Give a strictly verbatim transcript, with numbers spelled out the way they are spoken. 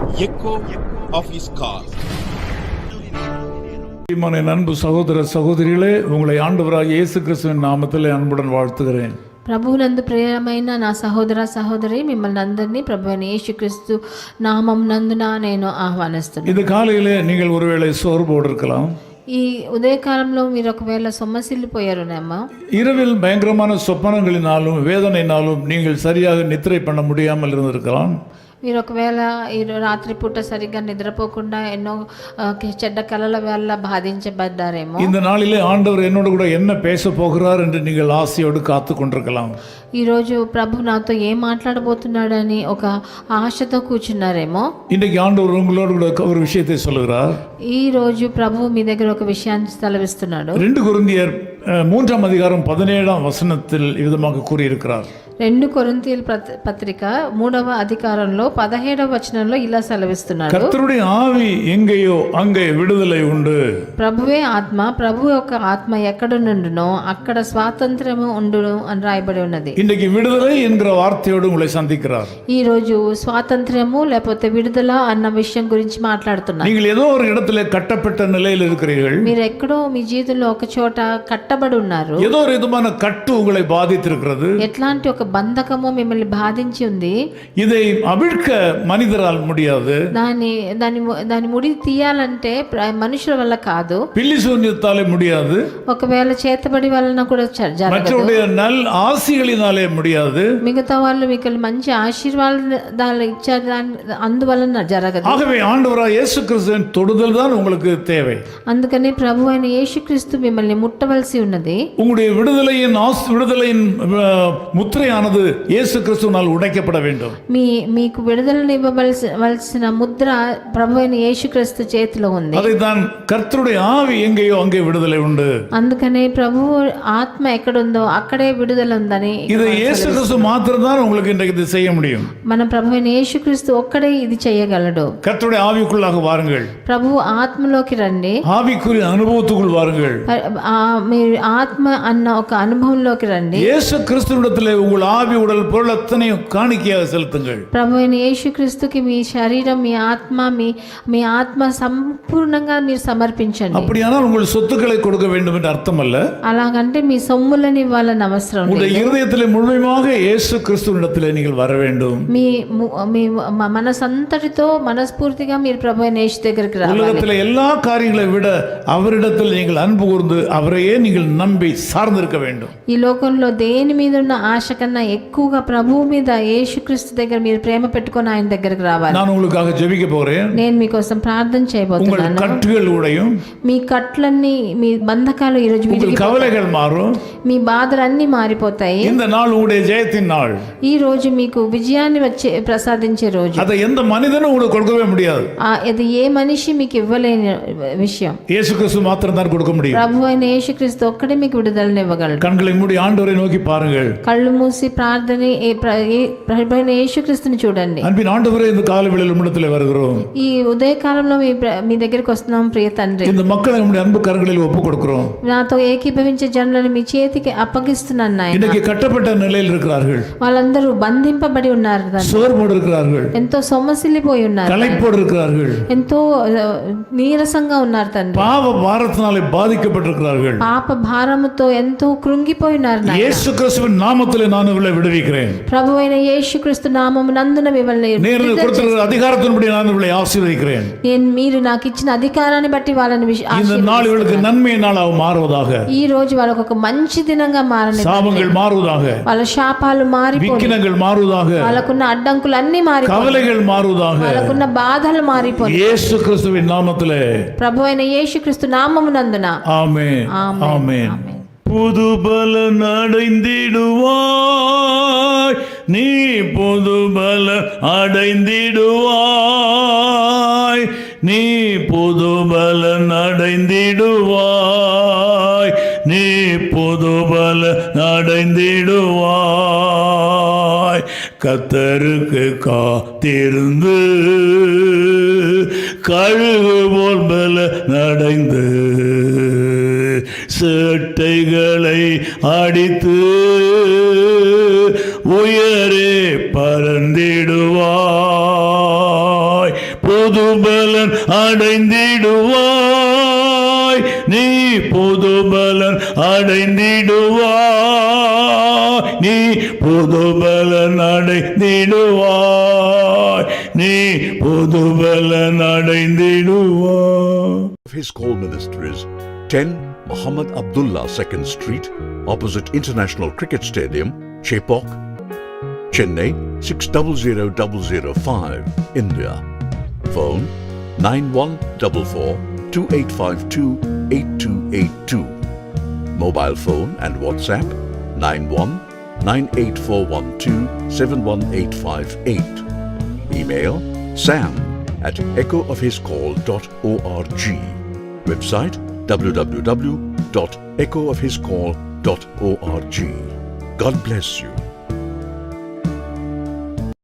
echo of his call. அன்பு சகோதர சகோதரிகளே, உங்களை ஆண்டவராகிய இயேசு கிறிஸ்துவின் நாமத்தில் அன்புடன் வாழ்த்துகிறேன். ప్రభువునందు ప్రియమైన నా సహోదర సహోదరి, మిమ్మల్ని అందరినీ ప్రభువైన యేసుక్రీస్తు నామం నందున నేను ఆహ్వానిస్తున్నాను. இந்த காலையிலே நீங்கள் ஒருவேளை சோர்வோடு இருக்கலாம். ఈ ఉదయకాలంలో మీరు ఒకవేళ సొమ్మసిల్లిపోయారునేమో. இரவில் பயங்கரமான சொப்பனங்களினாலும் வேதனையினாலும் நீங்கள் சரியாக நித்திரை பண்ண முடியாமல் இருந்திருக்கலாம். మీరు ఒకవేళ ఈ రాత్రిపూట సరిగ్గా నిద్రపోకుండా ఎన్నో చెడ్డ కలల వల్ల బాధించబడ్డారేమో. இந்த நாளிலே ஆண்டவர் என்னோடு கூட என்ன பேச போகிறார் என்று நீங்கள் ஆசையோடு காத்து கொண்டிருக்கலாம். ఈరోజు ప్రభు నాతో ఏం మాట్లాడబోతున్నాడని ఒక ఆశతో కూర్చున్నారేమో. இன்றைக்கு ஆண்டவர் உங்களோடு கூட ஒரு விஷயத்தை சொல்லுகிறார். ఈ రోజు ప్రభు మీ దగ్గర ఒక విషయాన్ని సెలవిస్తున్నాడు. ரெண்டு கொரிந்தியர் மூன்றாம் அதிகாரம் பதினேழாம் வசனத்தில் விதமாக கூறியிருக்கிறார். రెండు కొరింథీయుల పత్రిక మూడవ అధికారంలో పదిహేడవ వచనంలో ఇలా సెలవిస్తున్నాడు. కర్తరుடைய ఆవి எங்கேயோ அங்கே விடுதலை உண்டு. ప్రభువే ఆత్మ, ప్రభు యొక్క ఆత్మ ఎక్కడ నుండునో అక్కడ స్వాతంత్రము ఉండును అని రాయబడి ఉన్నది. இன்றைக்கு விடுதலை என்கிற வார்த்தையோடு உங்களை சந்திக்கிறார். ఈ రోజు స్వాతంత్రము లేకపోతే విడుదల అన్న విషయం గురించి మాట్లాడుతున్నారు. நீங்கள் ஏதோ ஒரு இடத்துல கட்டப்பட்ட நிலையில் இருக்கிறீர்கள். మీరు ఎక్కడో మీ జీవితంలో ఒక చోట కట్టబడి ఉన్నారు. ஏதோ ஒரு விதமான கட்டு உங்களை பாதித்திருக்கிறது. ఎట్లాంటి ఒక బంధకము మిమ్మల్ని బాధించి ఉంది. இதை அவிழ்க்க மனிதரால் முடியாது. దాని దాని దాని ముడి తీయాలంటే మనుషుల వల్ల కాదు. பில்லி சூன்யத்தாலே முடியாது. ఒకవేళ చేతబడి వలన కూడా జరగదు. மற்றவருடைய நல் ஆசிகளினாலே முடியாது. మిగతా వాళ్ళు మీకు మంచి ఆశీర్వాదాలు ఇచ్చారు, అందువలన జరగదు. ஆகவே ஆண்டவராகிய இயேசு கிறிஸ்துவின் தொடுதல் தான் உங்களுக்கு தேவை. అందుకని ప్రభు అయిన యేసుక్రీస్తు మిమ్మల్ని ముట్టవలసి ఉన్నది. உங்களுடைய விடுதலையின் விடுதலையின் முத்திரையானது இயேசு கிறிஸ்துவினால் உடைக்கப்பட வேண்டும். మీ మీకు విడుదలను ఇవ్వవలసిన ముద్ర ప్రభు అయిన యేసుక్రీస్తు చేతిలో ఉంది. அதைத்தான் கர்த்தருடைய ஆவி எங்கேயோ அங்கே விடுதலை உண்டு. అందుకనే ప్రభు ఆత్మ ఎక్కడుందో అక్కడే విడుదల ఉందని. இது இயேசு கிறிஸ்து மாத்திரம்தான் உங்களுக்கு இன்றைக்கு இது செய்ய முடியும். మన ప్రభు అయిన యేసుక్రీస్తు ఒక్కడే ఇది చేయగలడు. கர்த்தருடைய ஆவிக்குள்ளாக வாருங்கள். ప్రభు ఆత్మలోకి రండి. ஆவிக்குரிய அனுபவத்துக்குள் வாருங்கள். మీరు ఆత్మ అన్న ఒక అనుభవంలోకి రండి. இயேசு கிறிஸ்துவிடத்திலே உங்கள் ஆவி உடல் பொருள் அத்தனையும் காணிக்கையாக செலுத்துங்கள். ప్రభు అయిన యేసుక్రీస్తుకి మీ శరీరం, మీ ఆత్మ, మీ మీ ఆత్మ సంపూర్ణంగా మీరు సమర్పించండి. அப்படியானால் உங்கள் சொத்துக்களை கொடுக்க வேண்டும் என்று அர்த்தம் அல்ல. అలాగంటే మీ సొమ్ములని ఇవ్వాలని అవసరం లేదు. உங்கள் இருதயத்திலே முழுமையாக இயேசு கிறிஸ்துவிடத்திலே நீங்கள் வர வேண்டும். మీ మీ మనసంతటితో మనస్ఫూర్తిగా మీరు ప్రభు అయిన యేసు దగ్గరికి రావాలి. உலகத்திலே எல்லா காரியங்களை விட அவரிடத்தில் நீங்கள் அன்பு கூர்ந்து அவரையே நீங்கள் நம்பி சார்ந்திருக்க வேண்டும். ఈ లోకంలో దేని మీద ఉన్న ఆశ కన్నా ఎక్కువగా ప్రభువు మీద, యేసుక్రీస్తు దగ్గర మీరు ప్రేమ పెట్టుకొని ఆయన దగ్గరికి రావాలి. நான் உங்களுக்காக ஜெபிக்க போகிறேன். నేను మీకోసం ప్రార్థన చేయబోతున్నాను. உங்கள் கட்டுகள் உடையும். మీ కట్లన్నీ, మీ బంధకాలు ఈ రోజు உங்கள் கவலைகள் மாறும். మీ బాధలన్నీ మారిపోతాయి. இந்த நாள் உங்களுடைய ஜெயத்தின் நாள். ఈ రోజు మీకు విజయాన్ని వచ్చే ప్రసాదించే రోజు. அதை எந்த மனிதனும் உங்களுக்கு கொடுக்கவே முடியாது. అది ఏ మనిషి మీకు ఇవ్వలేని విషయం. இயேசு கிறிஸ்து மாத்திரம் தான் கொடுக்க முடியும். ప్రభు అయిన యేసుక్రీస్తు ఒక్కడే మీకు విడుదలను ఇవ్వగలడు. கண்களை மூடி ஆண்டவரை நோக்கி பாருங்கள். కళ్ళు మూసి ప్రార్థన ప్రభు అయిన యేసుక్రీస్తుని చూడండి. அன்பின் ஆண்டவரே, இந்த காலை வேளையில் உம்மிடத்திலே வருகிறோம். ఈ ఉదయకాలంలో మీ మీ దగ్గరికి వస్తున్నాం ప్రియ తండ్రి. இந்த மக்களை நம்முடைய அன்பு கரங்களில் ஒப்பு கொடுக்கிறோம். నాతో ఏకీభవించే జనులను మీ చేతికి అప్పగిస్తున్నాను నాయనా. இன்னைக்கு కట్టப்பட்ட நிலையில் இருக்கிறார்கள். వాళ్ళందరూ బంధింపబడి ఉన్నారు, சோர்வோடு இருக்கிறார்கள், ఎంతో సొమ్మసిల్లిపోయి ఉన్నారు, களைப்போடு இருக்கிறார்கள், ఎంతో నీరసంగా ఉన్నారు తండ్రి. பாவ பாரத்தினாலே பாதிக்கப்பட்டிருக்கிறார்கள். పాప భారముతో ఎంతో కృంగిపోయి ఉన్నారు నాయనా. இயேசு கிறிஸ்துவின் நாமத்திலே நான் இவளை விடுவிக்கிறேன். ప్రభు అయిన యేసుక్రీస్తు నామము నందున మిమ్మల్ని నేను கொடுத்திருக்கிற அதிகாரத்தின்படி நான் இவளை ஆசீர்வதிக்கிறேன். నేను మీరు నాకు ఇచ్చిన అధికారాన్ని బట్టి వాళ్ళని இந்த நாள் இவளுக்கு நன்மை நாளாக மாறுவதாக. ఈ రోజు వాళ్ళకు ఒక మంచి దినంగా మారని, சாபங்கள் மாறுவதாக, వాళ్ళ శాపాలు మారిపోయి, விக்கினங்கள் மாறுவதாக, వాళ్ళకున్న అడ్డంకులు అన్ని మారిపోయి, கவலைகள் மாறுவதாக, వాళ్ళకున్న బాధలు మారిపోయి, இயேசு கிறிஸ்துவின் நாமத்திலே, ప్రభు అయిన యేసుక్రీస్తు నామమునందున. ஆமென், ஆமென். புது பலன் அடைந்திடுவாய், நீ புது பலன் அடைந்திடுவாய், நீ புது பலன் அடைந்திடுவாய், நீ புது பலன் அடைந்திடுவாய். கர்த்தருக்கு காத்திருந்து கழுகு போல் பலன் அடைந்து சேட்டைகளை அடித்து உயரே பறந்திடுவாய். புதுபலன் அடைந்திடுவாய், நீ புதுபலன் அடைந்திடுவாய், நீ புதுபலன் அடைந்திடுவாய், நீ புதுபலன் அடைந்திடுவாய். His call ministries, ten Muhammad Abdullah second Street, opposite International Cricket Stadium, Chepauk, Chennai six zero zero zero zero five, India. Phone nine one four four two eight five two eight two eight two. Mobile phone and WhatsApp nine one nine eight four one two seven one eight five eight. Email sam at echo of his call dot org. Website w w w dot echo of his call dot org. God bless you.